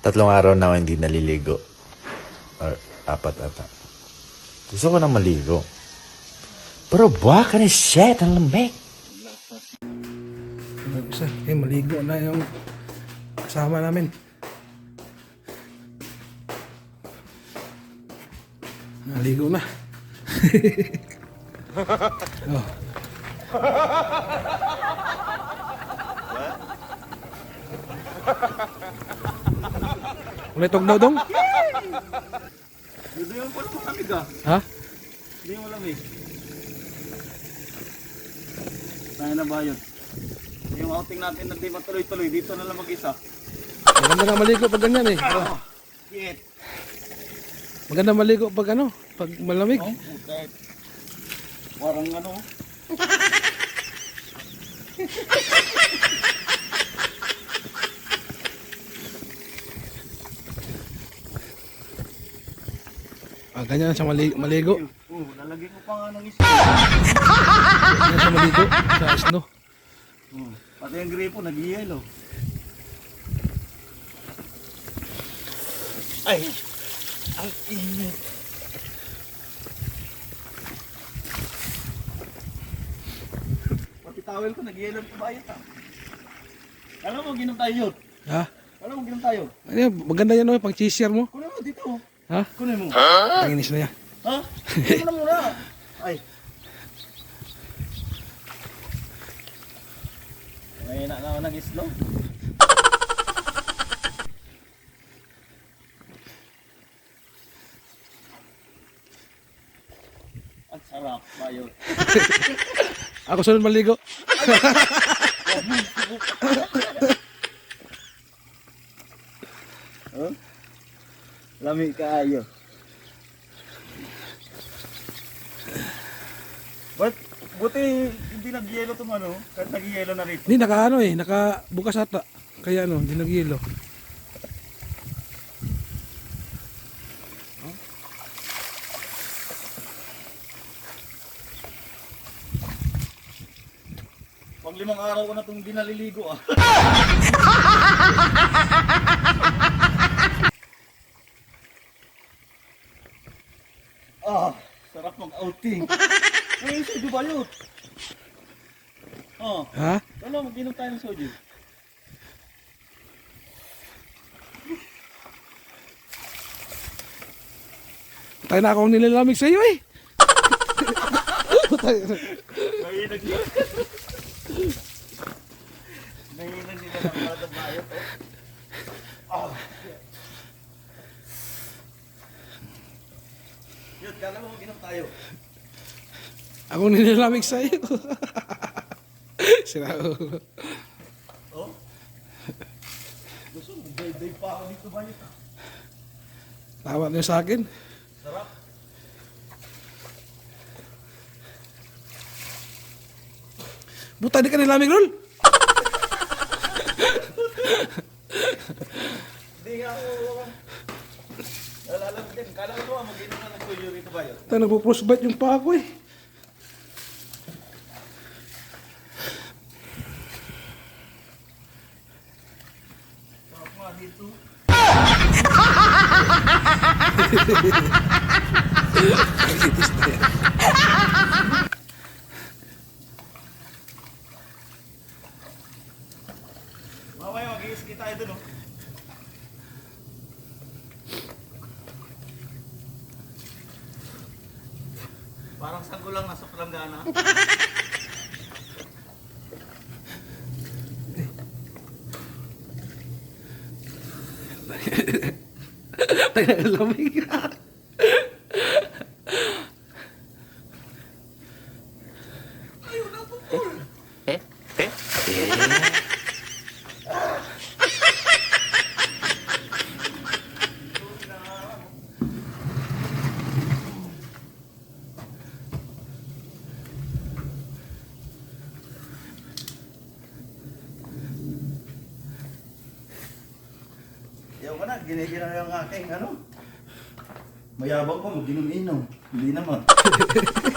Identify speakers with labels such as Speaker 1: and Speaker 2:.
Speaker 1: 3 araw na ako hindi naliligo. Or 4 ata. Gusto ko na maligo. Pero buwak ka na shit, ang lamig.
Speaker 2: Maligo na yung kasama namin. Naligo na. Oh. Ulit daw dong?
Speaker 3: Hindi yung pala malamig ah.
Speaker 2: Ha?
Speaker 3: Hindi yung malamig. Kaya na ba yun? Yung outing natin na di matuloy-tuloy, dito na lang mag-isa.
Speaker 2: Maganda na maligo pag ganyan eh.
Speaker 3: Shit.
Speaker 2: Maganda maligo pag ano, pag malamig.
Speaker 3: Oh, okay. Parang ano.
Speaker 2: Ganyan siya maligo.
Speaker 3: Lalagyan ko pa nga ng isa.
Speaker 2: Ganyan siya maligo sa snow.
Speaker 3: Pati yung gripo, nag-yellow. Ay! Ang init. Pati towel ko, nag-yellow pa bayot ah. Alam mo, ginom tayo yun.
Speaker 2: Ha?
Speaker 3: Alam mo, ginom tayo.
Speaker 2: Ay, maganda yan pang cheesier mo.
Speaker 3: Kunin mo dito.
Speaker 2: Ha?
Speaker 3: Kunin mo.
Speaker 2: Tanginis na yan.
Speaker 3: Ha? Kunin mo na muna. Ay. May na ako nag-slow. Ang sarap, bayot.
Speaker 2: Ako sunod maligo.
Speaker 3: Huh? Lami kaayo. Buti hindi nag-yelo itong ano, kahit nag-yelo na rito.
Speaker 2: Hindi, nakabukas ata. Kaya ano, hindi nag-yelo.
Speaker 3: Pag 5 araw ko na itong di naliligo ah. Sarap mag-outing. Ngayon soju ba yun?
Speaker 2: Ha?
Speaker 3: Ano, mag-inom tayo ng soju.
Speaker 2: Tayo na akong nilalamig sa iyo eh.
Speaker 3: Nahinag nila. Nahinag nila ng mga bayot. Yun, kala mo mag-inom tayo.
Speaker 2: Akong nilalamig sa iyo. Sira ko.
Speaker 3: Oh? Gusto mo, day pa ako dito bayot ah.
Speaker 2: Tawa niyo sa akin.
Speaker 3: Sarap.
Speaker 2: Buta, di ka nilamig, Rol.
Speaker 3: Hindi nga ako. Alam din, kala ko mag-inom na ng soju rito bayot.
Speaker 2: Tayo nagpo-frostbite yung paa ko eh.
Speaker 3: Sarap nga dito.
Speaker 2: Kagitis na yan.
Speaker 3: Mamaya mag-i-ski tayo dun oh. Parang sago lang nasa palanggana.
Speaker 2: Tayo naglamig.
Speaker 3: Yaw ka na, ginigina yung aking ano. Mayabang ko, mag-inom-inom. Hindi naman.